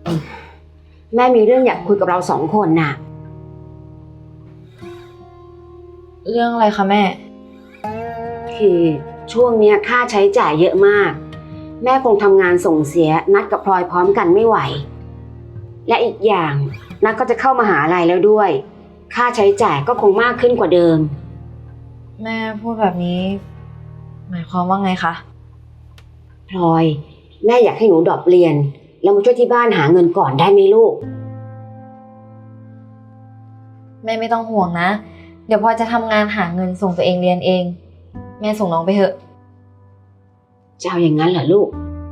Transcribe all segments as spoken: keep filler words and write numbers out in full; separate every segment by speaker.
Speaker 1: แม่มีเรื่องอยากคุยกับเราสองคนน่ะ
Speaker 2: เรื่องอะไรคะแม่
Speaker 1: คือช่วงเนี้ยค่าใช้จ่ายเยอะมาก แม่คงทำงานส่งเสียนัดกับพลอยพร้อมกันไม่ไหว และอีกอย่างนัดก็จะเข้ามหาลัยแล้วด้วย ค่าใช้จ่ายก็คงมากขึ้นกว่าเดิม
Speaker 2: แม่พูดแบบนี้ หมายความว่าไงคะ
Speaker 1: พลอยแม่อยากให้หนูดรอปเรียน แล้วมาช่วยที่บ้านหาเงินก่อนได้ไหมลูก
Speaker 2: แม่ไม่ต้องห่วงนะ เดี๋ยวพลอยจะทำงานหาเงินส่งตัวเองเรียนเอง แม่ส่งน้องไปเถอะ
Speaker 1: จะเอาอย่างนั้นเหรอลูก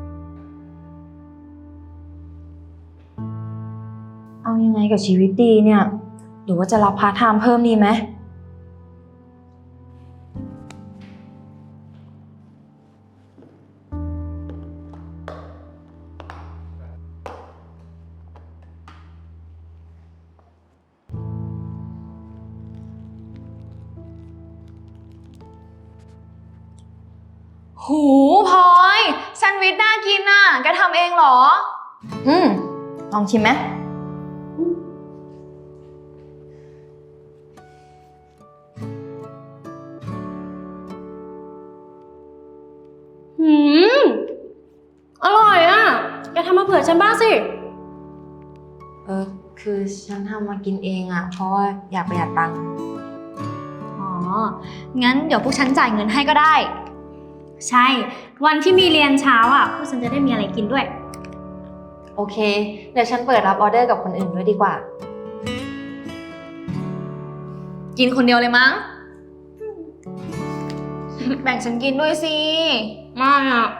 Speaker 2: เอายังไงกับชีวิตดีเนี่ย หรือว่าจะรับพาร์ทไทม์เพิ่มดีไหม
Speaker 3: หูพลอยแซนด์วิชน่ากินน่ะแกทำเองเหรอ
Speaker 2: อืม ลองชิมไหม
Speaker 3: หืม อร่อยอ่ะ แกทำมาเผื่อฉันบ้างสิ
Speaker 2: เออ คือฉันทำมากินเองอะเพราะว่าอยากประหยัดตังค์
Speaker 4: อ๋อ งั้นเดี๋ยวพวกฉันจ่ายเงินให้ก็ได้ ใช่ วันที่มีเรียนเช้าอ่ะ พวกฉันจะได้มีอะไรกินด้วย
Speaker 2: โอเค เดี๋ยวฉันเปิดรับออเดอร์กับคนอื่นด้วยดีกว่า
Speaker 3: กินคนเดียวเลยมั้ง แบ่งฉันกินด้วยสิไม่อ่ะ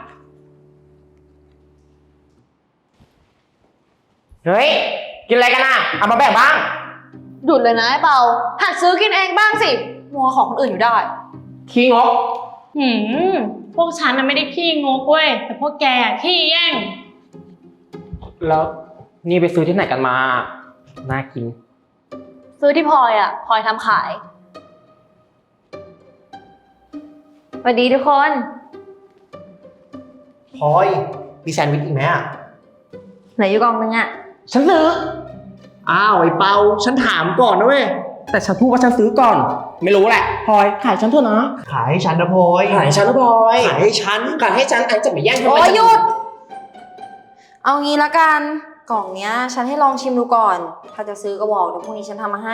Speaker 5: เฮ้ย กินอะไรกันอ่ะ เอามาแบ่งบ้าง
Speaker 3: หยุดเลยนะไอ้เปาหัดซื้อกินเองบ้างสิ มัวของคนอื่นอยู่ได้
Speaker 5: ขี้งก
Speaker 6: หืม พวกฉันน่ะไม่ได้ขี้งกเว้ย แต่พวกแกอะขี้แย่ง
Speaker 5: แล้วนี่ไปซื้อที่ไหนกันมา น่ากิน
Speaker 3: ซื้อที่พลอยอ่ะพลอยทำขาย
Speaker 2: สวัสดีทุกคน
Speaker 7: พลอย มีแซนด์วิชอีกไหมอ่ะ
Speaker 2: เหลืออยู่กล่องนึงอะ
Speaker 7: ฉันซื้อ อ้าวไอ้เปา ฉันถามก่อนนะเว้ย
Speaker 5: แต่ฉันพูดว่าฉันซื้อก่อน ไม่รู้แหละพลอย ขายฉันเถอะนะ
Speaker 7: ขายให้ฉันนะพลอย
Speaker 5: ขายฉันนะพลอย
Speaker 7: ขายให้ฉัน
Speaker 5: ขายให้ฉันไอ้จะไปแย่งทำไม
Speaker 2: โอ้ยหยุด เอางี้ละกัน กล่องเนี้ย ฉันให้ลองชิมดูก่อน ถ้าจะซื้อก็บอกเดี๋ยวพรุ่งนี้ฉันทำมาให้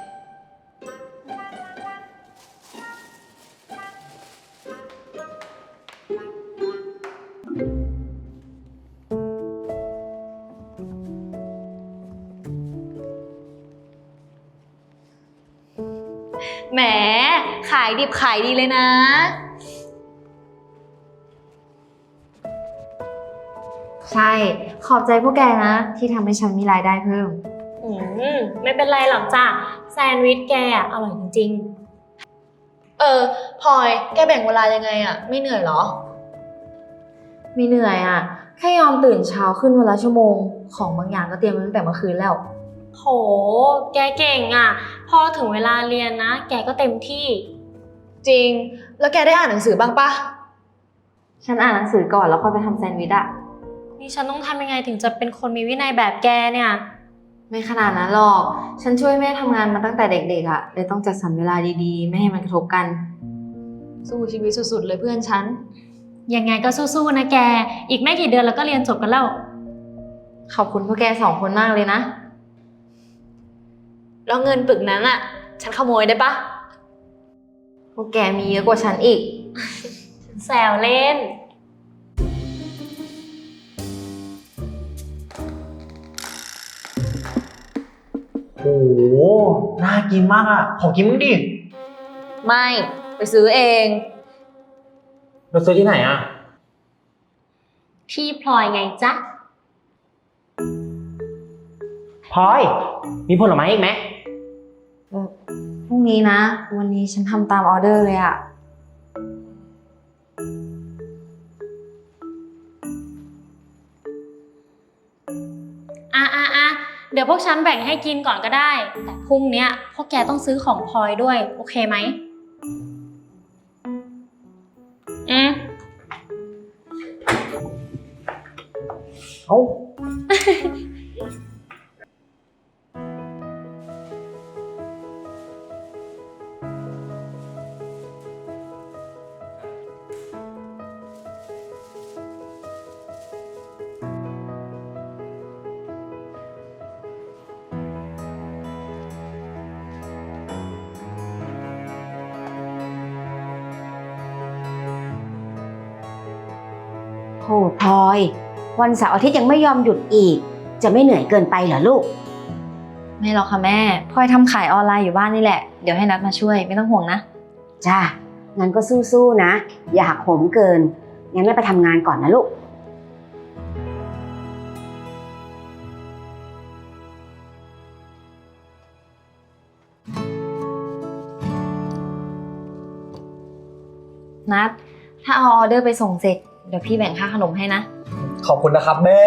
Speaker 3: แหม ขายดิบขายดีเลยนะ
Speaker 2: ใช่ ขอบใจพวกแกนะ ที่ทำให้ฉันมีรายได้เพิ่ม
Speaker 6: อืม ไม่เป็นไรหรอกจ้ะ แซนด์วิชแกอะอร่อยจริง
Speaker 3: เออพลอยแกแบ่งเวลายังไงอ่ะ ไม่เหนื่อยเหรอ
Speaker 2: ไม่เหนื่อยอะแค่ยอมตื่นเช้าขึ้นวันละชั่วโมง ของบางอย่างก็เตรียมไว้ตั้งแต่เมื่อคืนแล้ว
Speaker 6: ๆ โห แกเก่งอะพอถึงเวลาเรียนนะ แกก็เต็มที่
Speaker 3: จริง แล้วแกได้อ่านหนังสือบ้างปะ
Speaker 2: ฉันอ่านหนังสือก่อนแล้วค่อยไปทำแซนด์วิชอะ
Speaker 6: นี่ฉันต้องทำยังไงถึงจะเป็นคนมีวินัยแบบแกเนี่ย
Speaker 2: ไม่ขนาดนั้นหรอก ฉันช่วยแม่ทำงานมาตั้งแต่เด็กๆอะเลยต้องจัดสรรเวลาดีๆ ไม่ให้มันกระทบกัน
Speaker 3: สู้ชีวิตสุดๆเลยเพื่อนฉัน
Speaker 6: ยังไงก็สู้ๆนะแก อีกไม่กี่เดือนแล้วก็เรียนจบกันแล้ว
Speaker 2: ขอบคุณพวกแกสองคนมากเลยนะ
Speaker 3: แล้วเงินปึกนั้นอ่ะ ฉันขโมยได้ปะ
Speaker 2: พวกแกมีเยอะกว่าฉันอีก
Speaker 6: แซวเล่น
Speaker 7: โอ้โห น่ากินมากอ่ะ ขอกินมึงดิ
Speaker 3: ไม่ ไปซื้อเอง
Speaker 5: เราซื้อที่ไหนอ่ะ
Speaker 6: พี่พลอยไงจ๊ะ
Speaker 5: พลอย มีผลไม้อีกไหม
Speaker 2: เออพรุ่งนี้นะ วันนี้ฉันทำตามออเดอร์เลยอะ
Speaker 6: อ่ะอ่ะอ่ะเดี๋ยวพวกฉันแบ่งให้กินก่อนก็ได้ แต่พรุ่งเนี้ยพวกแกต้องซื้อของพลอยด้วย โอเคไหม อืม
Speaker 7: เอ้า
Speaker 1: โหพลอย วันเสาร์อาทิตย์ยังไม่ยอมหยุดอีก จะไม่เหนื่อยเกินไปเหรอลูก
Speaker 2: ไม่หรอกค่ะแม่พลอยทำขายออนไลน์อยู่บ้านนี่แหละเดี๋ยวให้นัดมาช่วยไม่ต้องห่วงนะ
Speaker 1: จ้า งั้นก็สู้ๆนะ อย่าหักโหมเกิน งั้นแม่ไปทำงานก่อนนะลูก
Speaker 2: นัดถ้าเอาออเดอร์ไปส่งเสร็จเดี๋ยวพี่แบ่งค่าขนมให้นะ
Speaker 7: ขอบคุณนะครับแม่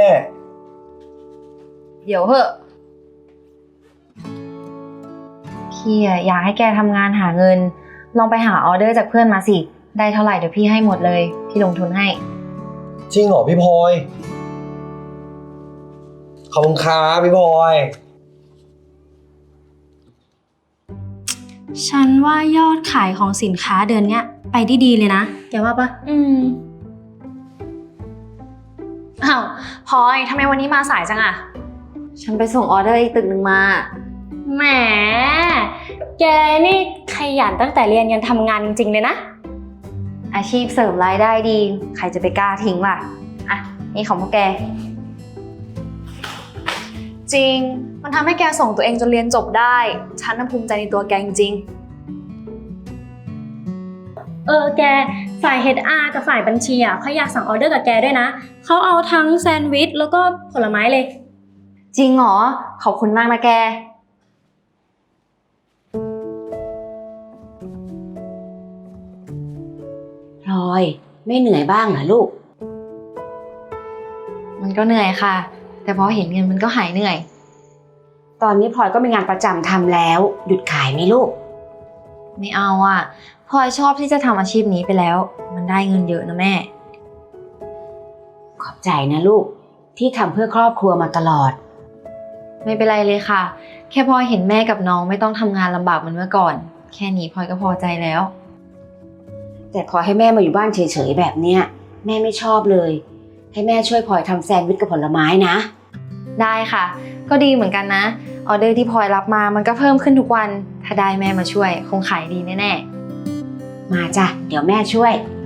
Speaker 2: เดี๋ยวเหอะพี่อะอยากให้แกทำงานหาเงิน ลองไปหาออเดอร์จากเพื่อนมาสิได้เท่าไหร่เดี๋ยวพี่ให้หมดเลยพี่ลงทุนให้
Speaker 7: จริงเหรอพี่พลอย ขอบคุณครับพี่พลอย
Speaker 4: ฉันว่ายอดขายของสินค้าเดือนเนี้ยไปได้ดีเลยนะแกว่าปะ
Speaker 2: อืม
Speaker 4: อ้าวพลอยทำไมวันนี้มาสายจังอะ
Speaker 2: ฉันไปส่งออเดอร์อีกตึกหนึ่งมา
Speaker 6: แหม แกนี่ขยันตั้งแต่เรียนยันทำงานจริงๆเลยนะ
Speaker 2: อาชีพเสริมรายได้ดี ใครจะไปกล้าทิ้งล่ะอ่ะนี่ของพวกแก
Speaker 4: จริงมันทำให้แกส่งตัวเองจนเรียนจบได้ฉันน่ะภูมิใจในตัวแกจริง
Speaker 3: เออแกฝ่าย เอช อาร์ กับฝ่ายบัญชีอ่ะเขาอยากสั่งออเดอร์กับแกด้วยนะเขาเอาทั้งแซนด์วิชแล้วก็ผลไม้เลย
Speaker 2: จริงเหรอขอบคุณมากนะแก
Speaker 1: พลอย ไม่เหนื่อยบ้างเหรอลูก
Speaker 2: มันก็เหนื่อยค่ะ แต่พอเห็นเงินมันก็หายเหนื่อย
Speaker 1: ตอนนี้พลอยก็มีงานประจำทำแล้ว หยุดขายไหมลูก
Speaker 2: ไม่เอาอ่ะพลอยชอบที่จะทำอาชีพนี้ไปแล้ว มันได้เงินเยอะนะแม่
Speaker 1: ขอบใจนะลูก ที่ทำเพื่อครอบครัวมาตลอด
Speaker 2: ไม่เป็นไรเลยค่ะ แค่พลอยเห็นแม่กับน้องไม่ต้องทำงานลำบากเหมือนเมื่อก่อน แค่นี้พลอยก็พอใจแล้ว
Speaker 1: แต่พลอยให้แม่มาอยู่บ้านเฉยๆแบบเนี้ยแม่ไม่ชอบเลย ให้แม่ช่วยพลอยทำแซนด์วิชกับผลไม้นะ
Speaker 2: ได้ค่ะ ก็ดีเหมือนกันนะออเดอร์ที่พลอยรับมามันก็เพิ่มขึ้นทุกวัน ถ้าได้แม่มาช่วยคงขายดีแน่ๆ
Speaker 1: มาจ้ะ เดี๋ยวแม่ช่วย
Speaker 2: ไ